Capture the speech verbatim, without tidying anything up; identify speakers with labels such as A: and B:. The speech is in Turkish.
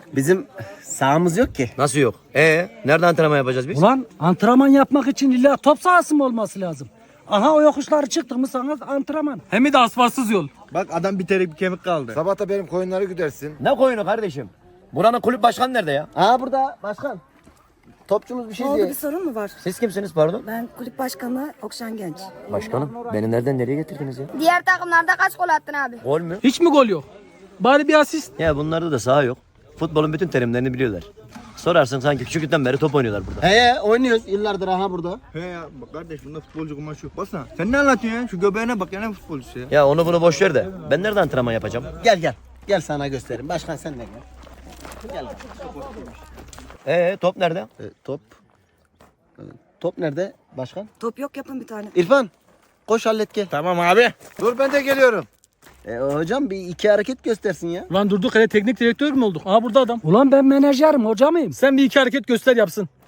A: Bizim sahamız yok ki.
B: Nasıl yok? Ee, nerede antrenman yapacağız biz?
C: Ulan antrenman yapmak için illa top sahası mı olması lazım? Aha o yokuşları çıktık mı sana antrenman.
D: Hem de asfaltsız yol.
E: Bak adam bir terik bir kemik kaldı.
F: Sabah da benim koyunları güdersin.
B: Ne koyunu kardeşim? Buranın kulüp başkanı nerede ya?
A: Aa burada başkan. Topçumuz bir şey
G: Ne oldu,
A: diyor.
G: bir sorun mu var?
B: Siz kimsiniz pardon?
G: Ben kulüp başkanı Okşan Genç.
B: Başkanım, beni nereden nereye getirdiniz ya?
H: Diğer takımlarda kaç gol attın abi?
B: Gol mü?
D: Hiç mi gol yok? Bari bir asist.
B: Ya bunlarda da saha yok. Futbolun bütün terimlerini biliyorlar. Sorarsın sanki küçüklükten beri top oynuyorlar burada.
A: He oynuyoruz yıllardır aha burada.
E: He ya bak kardeş bunda futbolcu kumaşı yok. Baksana. Sen ne anlatıyorsun ya? Şu göbeğine bak ya ne futbolcusu ya.
B: Ya onu bunu boş ver de ben nerede antrenman yapacağım?
A: Gel gel. Gel sana göstereyim. Başkan sen de gel. Gel.
B: Ee top nerede?
A: E, top. E, top nerede başkan?
G: Top yok, yapın bir tane.
A: İrfan. Koş hallet gel.
E: Tamam abi.
F: Dur ben de geliyorum.
A: E, hocam bir iki hareket göstersin ya.
D: Ulan durduk hele teknik direktör mü olduk? Aha burada adam.
C: Ulan ben menajerim hoca mıyım?
D: Sen bir iki hareket göster yapsın.